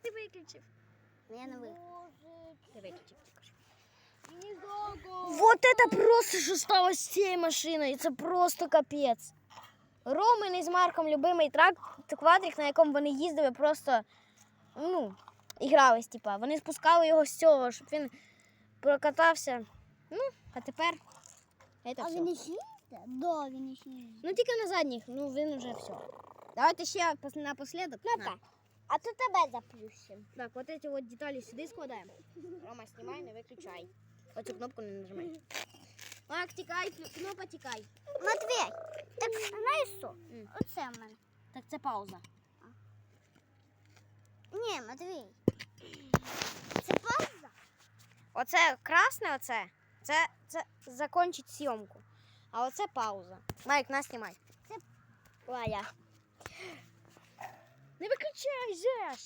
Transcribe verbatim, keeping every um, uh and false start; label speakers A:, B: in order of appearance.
A: ти виключив?
B: Я не виключив.
A: Ти виключив також.
B: Вот это просто, що сталося з цією машиною. Це просто капець. Ромин із Марком любимий трак, квадрик, на якому вони їздили, просто, ну, ігрались, типа. Вони спускали його з цього, щоб він прокатався. Ну, а тепер це
C: А
B: все.
C: він іще їздить? Да, він іще їздить.
B: Ну, тільки на задніх, ну, він вже все. Давайте ще пос- напоследок.
C: Ну так. А то тебе заплющимо.
B: Так, вот эти вот детали сюди складаємо. Рома, знімай, не виключай. Оцю кнопку не нажимай. Марк, тікай, кнопка тікай.
C: Матвій, так знаєш що?
B: М.
C: Оце в мене.
B: Так це пауза.
C: Ні, Матвій. Це пауза?
B: Оце красне, оце, це, це закончить зйомку. А оце пауза. Майк, нас знімай.
C: Це
B: Валя. Не виключай же ж!